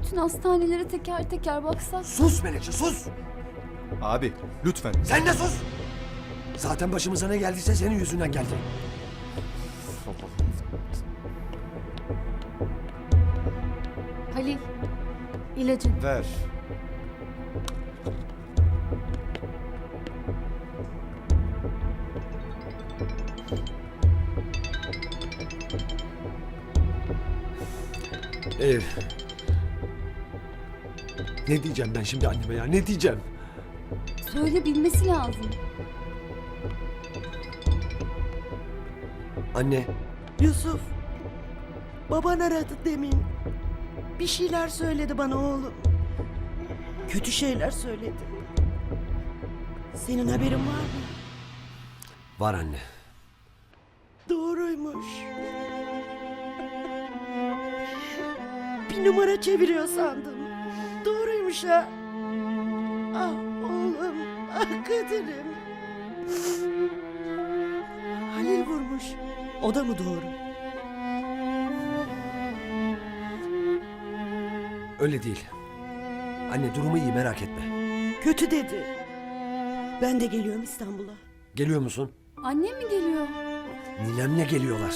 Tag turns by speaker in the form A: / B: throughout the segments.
A: bütün hastanelere teker teker baksak.
B: Sus Menekşe sus!
C: Abi lütfen.
B: Sen de sus! Zaten başımıza ne geldiyse senin yüzünden geldi.
A: Halil, ilacın.
C: Ver.
B: Ee, ne diyeceğim ben şimdi anneme ya? Ne diyeceğim?
A: Söyle, bilmesi lazım.
B: Anne,
D: Yusuf, baban aradı demin. Bir şeyler söyledi bana oğlum. Kötü şeyler söyledi. Senin haberin var mı?
B: var anne.
D: Doğruymuş. Bir numara çeviriyor sandım. Doğruymuş ha. Ah oğlum, ah Kadir'im. Halil vurmuş. O da mı doğru?
B: Öyle değil. Anne durumu iyi merak etme.
D: Kötü dedi. Ben de geliyorum İstanbul'a.
B: Geliyor musun?
A: Annem mi geliyor?
B: Ninemle geliyorlar.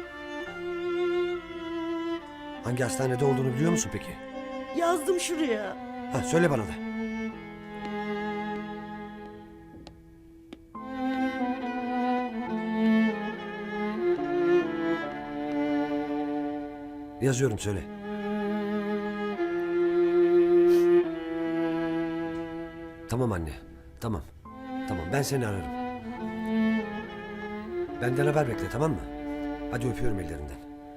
B: Hangi hastanede olduğunu biliyor musun peki?
D: Yazdım şuraya.
B: Ha söyle bana da. Yazıyorum söyle. Tamam anne. Tamam. Tamam ben seni ararım. Benden haber bekle tamam mı? Hadi öpüyorum ellerinden.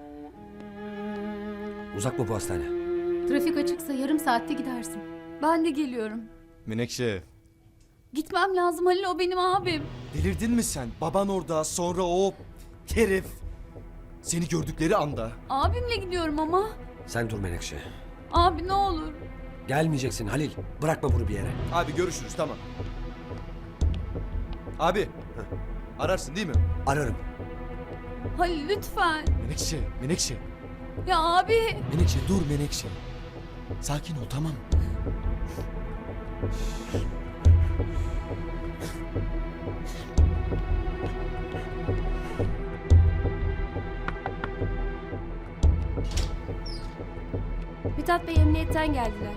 B: Uzak mı bu hastane?
E: Trafik açıksa yarım saatte gidersin.
A: Ben de geliyorum.
C: Menekşe.
A: Gitmem lazım Halil, o benim abim.
C: Delirdin mi sen? Baban orada, sonra o herif. Seni gördükleri anda.
A: Abimle gidiyorum ama.
B: Sen dur Menekşe.
A: Abi ne olur.
B: Gelmeyeceksin Halil. Bırakma bunu bir yere.
C: Abi görüşürüz tamam. Abi. Ararsın değil mi?
B: Ararım.
A: Halil lütfen.
C: Menekşe, Menekşe.
A: Ya abi.
C: Menekşe dur Menekşe. Sakin ol tamam.
F: Mithat Bey emniyetten geldiler.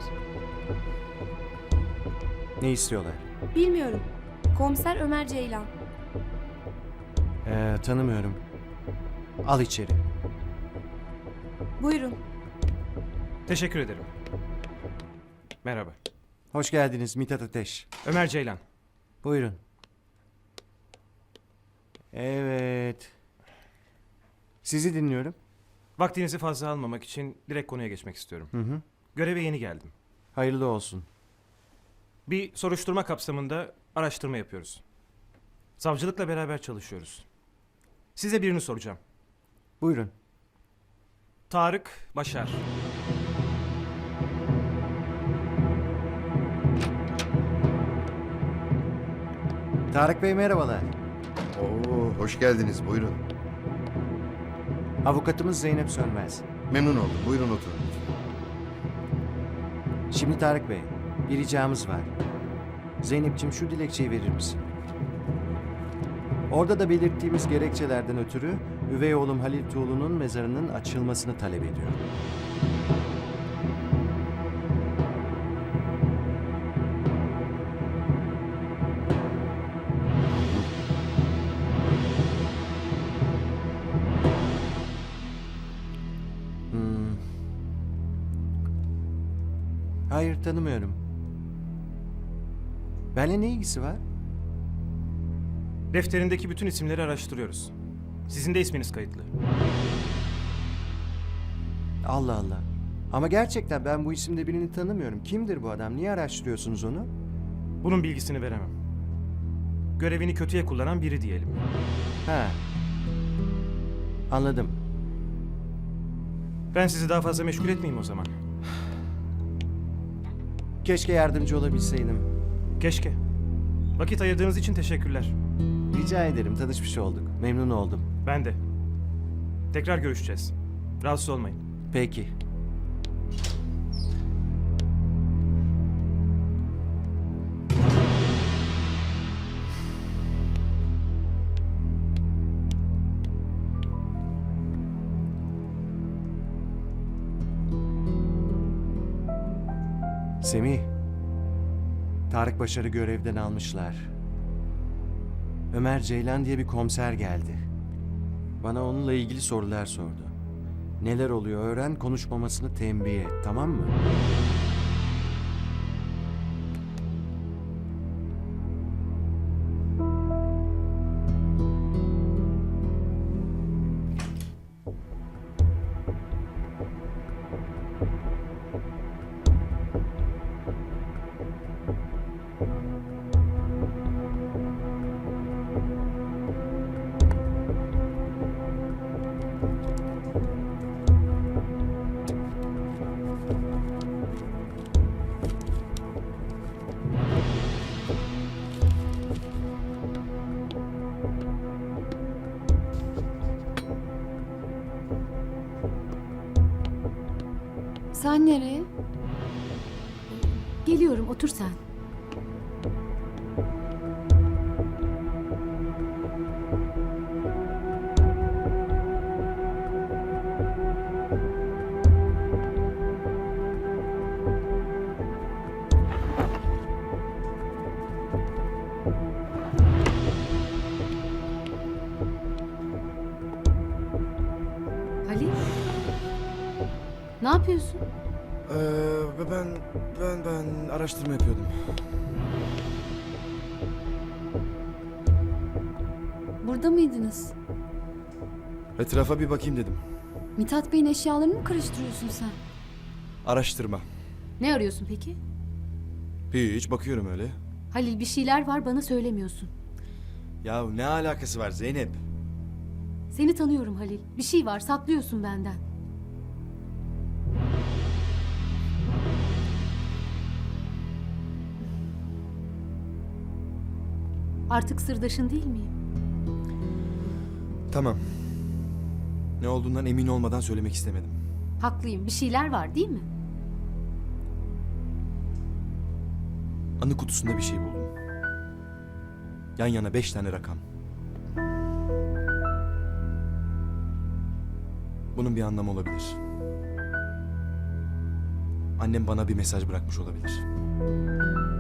G: Ne istiyorlar?
F: Bilmiyorum. Komiser Ömer Ceylan.
G: Tanımıyorum. Al içeri.
F: Buyurun.
H: Teşekkür ederim. Merhaba.
G: Hoş geldiniz Mithat Ateş.
H: Ömer Ceylan.
G: Buyurun. Evet. Sizi dinliyorum.
H: Vaktinizi fazla almamak için direkt konuya geçmek istiyorum.
G: Hı.
H: Göreve yeni geldim.
G: Hayırlı olsun.
H: Bir soruşturma kapsamında araştırma yapıyoruz. Savcılıkla beraber çalışıyoruz. Size birini soracağım.
G: Buyurun.
H: Tarık Başar.
G: Tarık Bey merhabalar.
I: Oo, hoş geldiniz. Buyurun.
G: Avukatımız Zeynep Sönmez.
I: Memnun oldum. Buyurun oturun.
G: Şimdi Tarık Bey, bir ricamız var. Zeynep'ciğim şu dilekçeyi verir misin? Orada da belirttiğimiz gerekçelerden ötürü üvey oğlum Halil Tuğlu'nun mezarının açılmasını talep ediyorum. Hayır tanımıyorum. Benimle ne ilgisi var?
H: Defterindeki bütün isimleri araştırıyoruz. Sizin de isminiz kayıtlı.
G: Allah Allah. Ama gerçekten ben bu isimde birini tanımıyorum. Kimdir bu adam? Niye araştırıyorsunuz onu?
H: Bunun bilgisini veremem. Görevini kötüye kullanan biri diyelim.
G: Ha. Anladım.
H: Ben sizi daha fazla meşgul etmeyeyim o zaman.
G: Keşke yardımcı olabilseydim.
H: Keşke. Vakit ayırdığınız için teşekkürler.
G: Rica ederim. Tanışmış olduk. Memnun oldum.
H: Ben de. Tekrar görüşeceğiz. Rahatsız olmayın.
G: Peki. Semih. Tarık Başar'ı görevden almışlar. Ömer Ceylan diye bir komiser geldi. Bana onunla ilgili sorular sordu. Neler oluyor öğren, konuşmamasını tembih et, tamam mı?
A: Sen nereye?
E: Geliyorum, otur sen. Halil? Ne yapıyorsun?
C: Ben araştırma yapıyordum.
A: Burada mıydınız?
C: Etrafa bir bakayım dedim.
A: Mithat Bey'in eşyalarını mı karıştırıyorsun sen?
C: Araştırma.
E: Ne arıyorsun peki?
C: Hiç bakıyorum öyle.
E: Halil, bir şeyler var, bana söylemiyorsun.
C: Ya ne alakası var Zeynep?
E: Seni tanıyorum Halil. Bir şey var, saklıyorsun benden. Artık sırdaşın değil miyim?
C: Tamam. Ne olduğundan emin olmadan söylemek istemedim.
E: Haklıyım. Bir şeyler var değil mi?
C: Anı kutusunda bir şey buldum. Yan yana 5 tane rakam. Bunun bir anlamı olabilir. Annem bana bir mesaj bırakmış olabilir.